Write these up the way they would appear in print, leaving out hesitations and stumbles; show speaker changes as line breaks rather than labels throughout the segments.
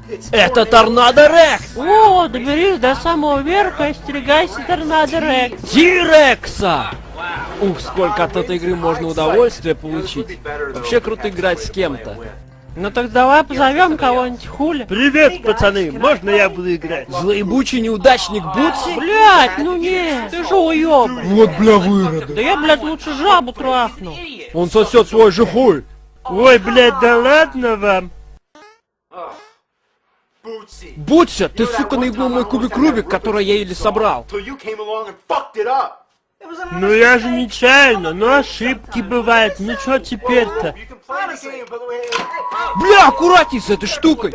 Это Торнадо Рекс!
О, доберись до самого верха и остерегайся Торнадо Рекс.
Тирекса! Ух, сколько от этой игры можно удовольствия получить. Вообще круто играть с кем-то.
Ну так давай позовем кого-нибудь, хули.
Привет, пацаны, можно я буду играть?
Злоебучий неудачник Бутси?
Блять, ну нет, ты же уёб.
Вот бля вырода.
Да я, блядь, лучше жабу трахну.
Он сосет свой же хуй.
Ой, блядь, да ладно вам.
Бутся, ты, сука, наебнул мой кубик Рубик, который я еле собрал.
Ну я же нечаянно, но ошибки бывают, ну что теперь-то?
Бля, аккуратней с этой штукой.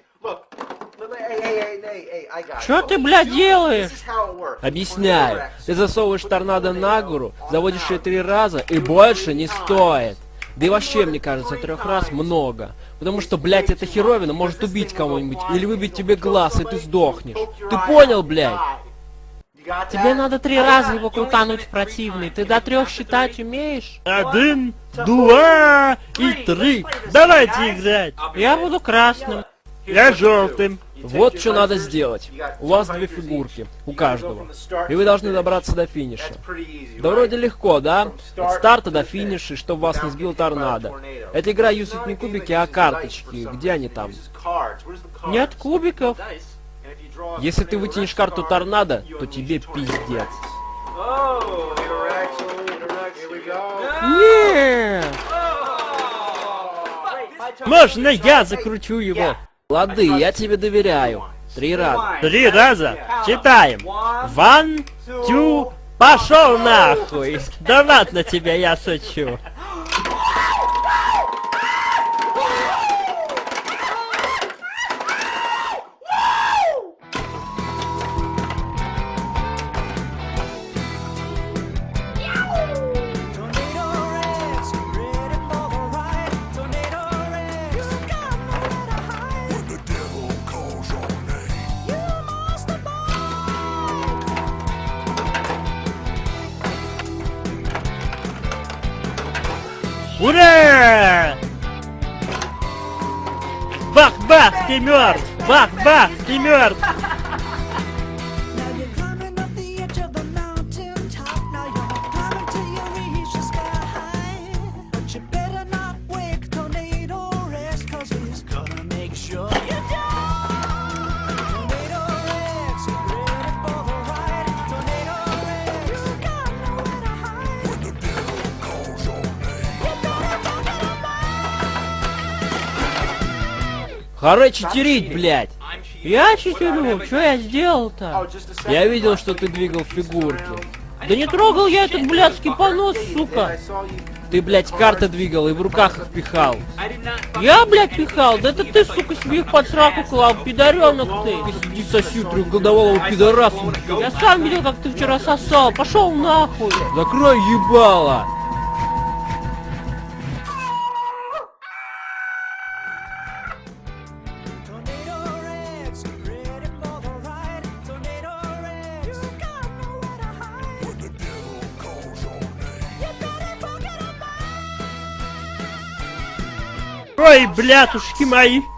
Что ты, блядь, делаешь?
Объясняю. Ты засовываешь торнадо на гору, заводишь ее 3 раза и больше не стоит. Да и вообще, мне кажется, 3 раз много. Потому что, блядь, эта херовина может убить кого-нибудь или выбить тебе глаз, и ты сдохнешь. Ты понял, блядь?
Тебе надо 3 раза его крутануть противный. Ты до 3 считать умеешь?
1, 2 и 3. Давайте играть.
Я буду красным.
Я желтым.
Вот что надо сделать. У вас 2 фигурки, у каждого. И вы должны добраться до финиша. Да вроде легко, да? От старта до финиша, чтобы вас не сбил торнадо. Эта игра юзает не кубики, а карточки. Где они там?
Нет кубиков.
Если ты вытянешь карту торнадо, то тебе пиздец.
Нет.
Можно я закручу его?
Лады, я тебе доверяю. 3 раза.
3 раза. Читаем. 1, 2, пошел нахуй. Да ладно тебе, я шучу. Ура! Бах-бах, ты мертв! Бах-бах, ты мертв!
Харе читерить, блядь!
Я читерю. Что я сделал-то?
Я видел, что ты двигал фигурки.
Да не трогал я этот блядский понос, сука.
Ты, блядь, карты двигал и в руках их пихал.
Я, блядь, пихал? Да это ты, сука, себе их под сраку клал, пидоренок ты.
Иди соси трехголового пидораса.
Я сам видел, как ты вчера сосал. Пошел нахуй.
Закрой ебало.
Ой, блядушки мои!